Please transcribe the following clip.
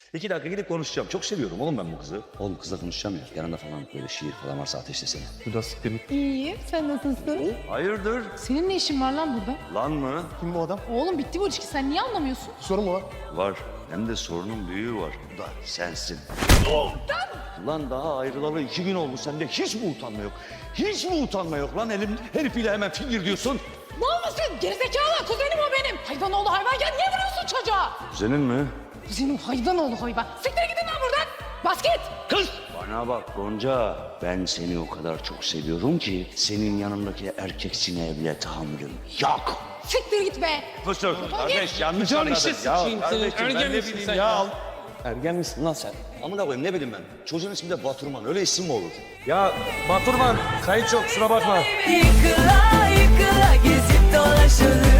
2 dakika gidip konuşacağım. Çok seviyorum oğlum ben bu kızı. Oğlum kızla konuşacağım ya. Yanında falan böyle şiir falan varsa ateşlesene. Bu da siktir git. İyiyim. Sen nasılsın? Hayırdır? Senin ne işin var lan burada? Lan mı? Kim bu adam? Oğlum bitti bu ilişki. Sen niye anlamıyorsun? Sorun mu var? Var. Hem de sorunun büyüğü var. Bu da sensin. Lan daha ayrılalı 2 gün oldu. Sende hiç mi utanma yok? Hiç mi utanma yok lan? Herifiyle hemen fingir diyorsun. Ne olmasın? Gerizekalı. Kuzenim o benim. Hayvanoğlu hayvan. Ya niye vuruyorsun çocuğa? Senin mi? Kuzenim hayvanoğlu hayvan. Siktir gidin lan buradan. Bas git. Kız! Bana bak Gonca, ben seni o kadar çok seviyorum ki senin yanındaki erkek sineğe bile tahammülüm yok. Siktir git be. Fısır, kardeş yanlış Can anladın. işe sıçayım senin. kardeşim, ben Ergen ne misin bileyim sen ya? Ergen misin lan sen? Amına koyayım ne bileyim ben. Çocuğun ismi de Baturman, öyle isim mi olur? Ya Baturman, kayıt yok, kusura bakma. Yıkıla yıkıla gezip dolaşalım.